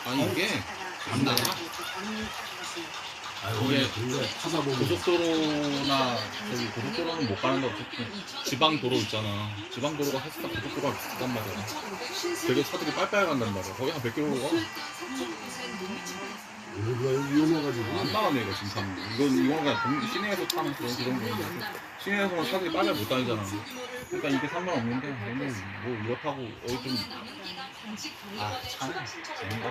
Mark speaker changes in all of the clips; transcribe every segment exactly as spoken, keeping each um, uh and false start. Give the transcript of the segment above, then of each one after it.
Speaker 1: 아니 이게 안 나가.
Speaker 2: 아유,
Speaker 1: 이게
Speaker 2: 근데 찾아보면
Speaker 1: 고속도로나 저기 고속도로는 못 가는데 어쨌든 지방 도로 있잖아. 지방 도로가 사실상 고속도로가 비슷한 말이야. 되게 차들이 빨빨 간단 말이야. 거의 한 백 킬로미터 가.
Speaker 2: 여기가 위험해가지고
Speaker 1: 안 나가네 이거 지금 타는 거. 이건 이건 그냥 동- 시내에서 타는 그런 그런 거인데 시내에서는 차들이 빨빨 못 다니잖아. 그러니까 이게 상관없는데 얘는 뭐 이거 타고 어디 좀 아, 참 재밌다.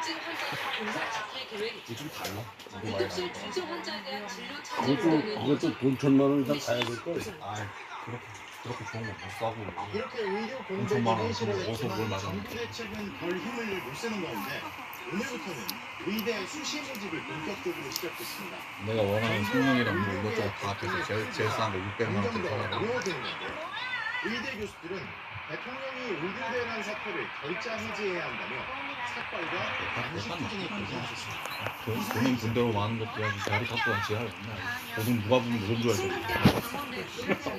Speaker 1: 이게 좀 달라. 이거 많이 달라.
Speaker 2: 그것도 그것도 돈 천만 원 이상 가야 될 걸.
Speaker 1: 아, 그렇게 그렇게 좋은 거 못 사고.
Speaker 3: 이렇게 의료
Speaker 1: 엄청 많아.
Speaker 3: 공백이
Speaker 1: 그럼 어디서 뭘 맞아?
Speaker 3: 정부 대책은 별 힘을 못 쓰는 가운데 오늘부터는 의대 수시 모집이 본격적으로 시작됐습니다.
Speaker 1: 내가 원하는 성능이랑 뭐 이것저것 다 합해서 제일 제일 싼거 육백만 원짜리
Speaker 3: 점점 더
Speaker 1: 사라고.
Speaker 3: 어려워지는 건데 의대 교수들은 대통령이 의료대란 사태를 결자 해제해야 한다며 삭발과 단식 투쟁에 결정하셨습니다.
Speaker 1: 돈, 돈은 돈대로 많은 것도 아주 자리 갖고 간 지하가 없네. 돈은 누가 보면 누군 줄 알고.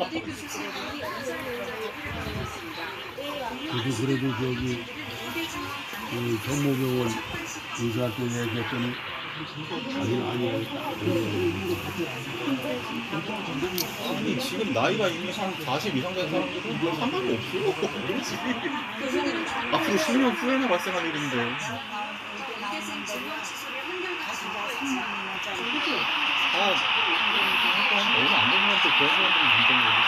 Speaker 2: 그래도 그래도 저기 그 정모병원 의사한테 얘기했더니 자기는 아니라니까.
Speaker 1: 아니 지금 나이가 이미 한 사십 이상 된 사람들은 뭐 상관이 없어. 그렇지. 앞으로 십 년 후에나 발생할 일인데. 아, 얼마 안 되는 것도 그런 사람들이 문제인 거지.